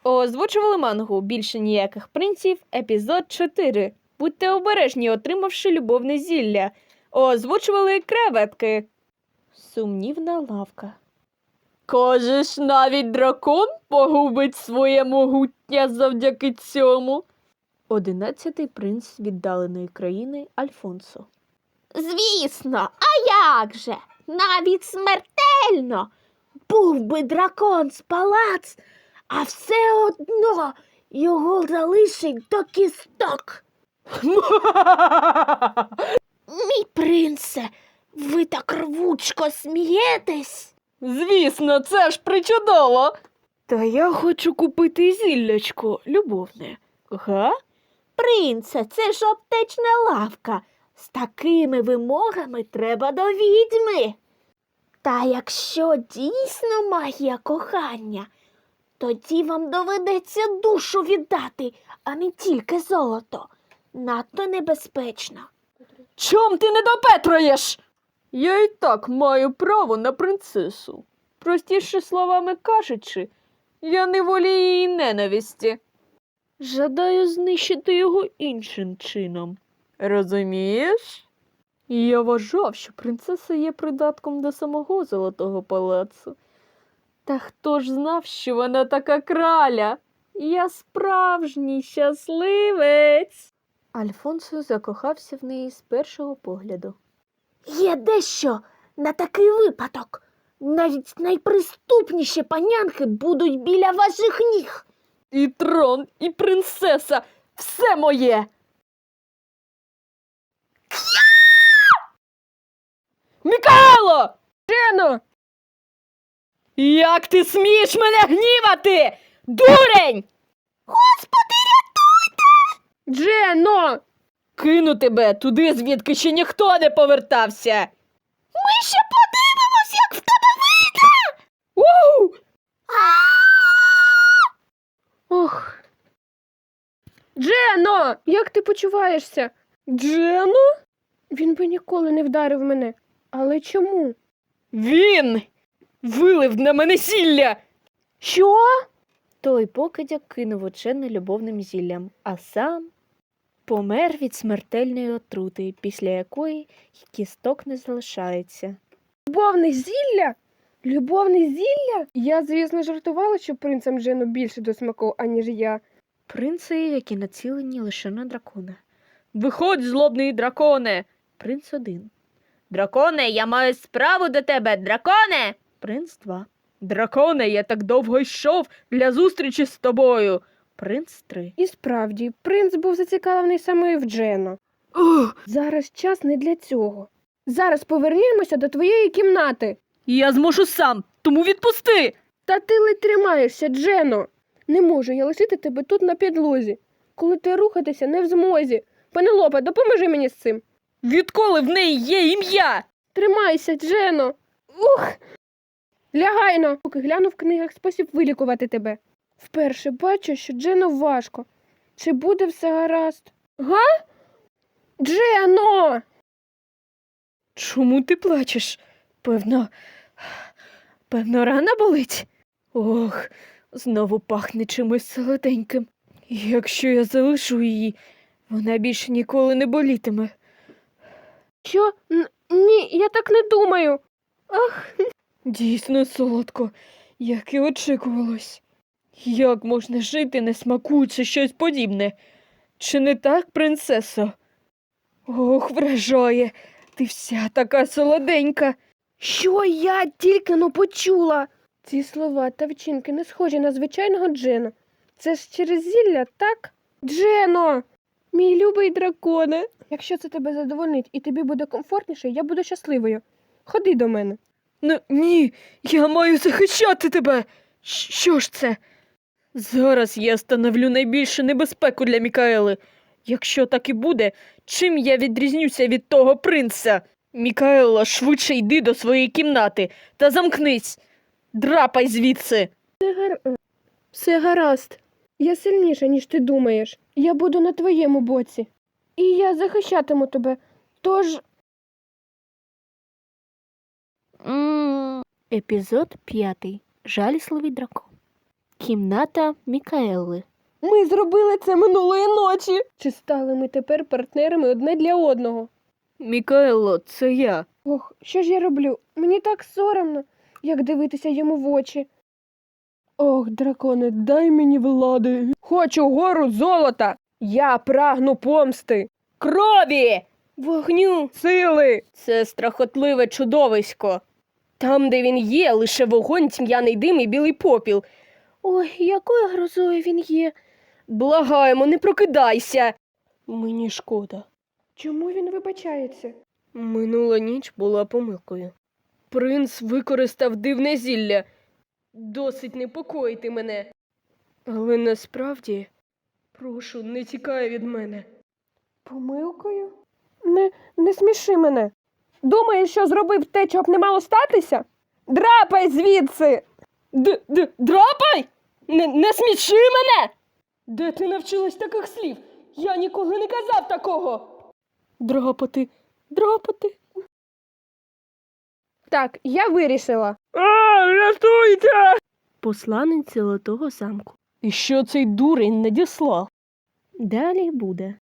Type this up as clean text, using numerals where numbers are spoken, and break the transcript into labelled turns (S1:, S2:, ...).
S1: Озвучували мангу «Більше ніяких принців», епізод 4. Будьте обережні, отримавши любовне зілля. Озвучували креветки. Сумнівна лавка. Кажеш, навіть дракон погубить своє могуття завдяки цьому? 11-й принц віддаленої країни Альфонсо.
S2: Звісно, а як же? Навіть смертельно. Був би дракон з палац, а все одно його залишить до кісток. Мій принце, ви так рвучко смієтесь.
S1: Звісно, це ж причудово. Та я хочу купити зіллячко любовне. Га?
S2: Принце, це ж аптечна лавка. З такими вимогами треба до відьми. Та якщо дійсно магія кохання, тоді вам доведеться душу віддати, а не тільки золото. Надто небезпечно.
S1: Чом ти не допетруєш? Я і так маю право на принцесу. Простіше словами кажучи, я не волію її ненависті. Жадаю знищити його іншим чином. Розумієш? Я вважав, що принцеса є придатком до самого Золотого палацу. Та хто ж знав, що вона така краля? Я справжній щасливець. Альфонсо закохався в неї з першого погляду.
S2: Є дещо на такий випадок. Навіть найприступніші панянки будуть біля ваших ніг.
S1: І трон, і принцеса – все моє! Мікаело! Джено! Як ти смієш мене гнівати? Дурень!
S2: Господи, рятуйте!
S1: Джено! Кину тебе туди, звідки ще ніхто не повертався!
S2: Ми ще подивимось, як в тебе вийде!
S1: Ууу! Ох. Джено, як ти почуваєшся? Джено?
S3: Він би ніколи не вдарив мене. Але чому?
S1: Він вилив на мене зілля.
S3: Що?
S1: Той покидьок кинув учене любовним зіллям, а сам помер від смертельної отрути, після якої кісток не залишається.
S3: Любовне зілля? Любовне зілля? Я, звісно, жартувала, що принцам Джену більше до смаку, аніж я.
S1: Принци, які націлені лише на дракона. Виходь, злобний драконе! Принц 1. Драконе, я маю справу до тебе, драконе! Принц 2. Драконе, я так довго йшов для зустрічі з тобою. Принц 3.
S3: І справді, принц був зацікавлений саме в Джено. Зараз час не для цього. Зараз повернімося до твоєї кімнати.
S1: Я зможу сам, тому відпусти!
S3: Та ти ледь тримаєшся, Джено. Не можу я лишити тебе тут на підлозі, коли ти рухатися не в змозі. Пенелопе, допоможи мені з цим.
S1: Відколи в неї є ім'я?
S3: Тримайся, Джено. Ух! Лягайно, поки гляну в книгах спосіб вилікувати тебе. Вперше бачу, що Джено важко. Чи буде все гаразд? Га? Джено!
S1: Чому ти плачеш? Певно, рана болить? Ох, знову пахне чимось солоденьким. Якщо я залишу її, вона більше ніколи не болітиме.
S3: Що? Ні, я так не думаю. Ах,
S1: Дійсно солодко, як і очікувалось. Як можна жити, не смакуючи щось подібне? Чи не так, принцесо? Ох, вражає, ти вся така солоденька.
S3: що я тільки но почула? Ці слова та вчинки не схожі на звичайного Джено. Це ж через зілля, так? Джено! Мій любий драконе. Якщо це тебе задовольнить і тобі буде комфортніше, я буду щасливою. Ходи до мене.
S1: Ні, я маю захищати тебе. Що ж це? Зараз я становлю найбільшу небезпеку для Мікаели. Якщо так і буде, чим я відрізнюся від того принца? Мікаела, швидше йди до своєї кімнати та замкнись. Драпай звідси.
S3: Все гаразд. Я сильніша, ніж ти думаєш. Я буду на твоєму боці. І я захищатиму тебе. Тож...
S1: Епізод 5. Жалісливий дракон.
S2: Кімната Мікаели.
S3: Ми зробили це минулої ночі. Чи стали ми тепер партнерами одне для одного?
S1: Мікаело, це я.
S3: Ох, що ж я роблю? Мені так соромно, як дивитися йому в очі. Ох, драконе, дай мені влади. Хочу гору золота. Я прагну помсти.
S1: Крові!
S3: Вогню, сили.
S1: Це страхотливе чудовисько. Там, де він є, лише вогонь, тьмяний дим і білий попіл.
S3: Ой, якою грозою він є.
S1: Благаємо, не прокидайся. Мені шкода.
S3: Чому він вибачається?
S1: Минула ніч була помилкою. Принц використав дивне зілля. Досить непокоїти мене. Але насправді, прошу, не тікай від мене.
S3: Помилкою? Не сміши мене. Думаєш, що зробив те, чого б не мало статися? Драпай звідси!
S1: Драпай! Не сміши мене! Де ти навчилась таких слів? Я ніколи не казав такого. Драпати.
S3: Так, я вирішила.
S1: Рятуйте!
S2: Посланець Золотого замку.
S1: І що цей дурень надіслав?
S2: Далі буде.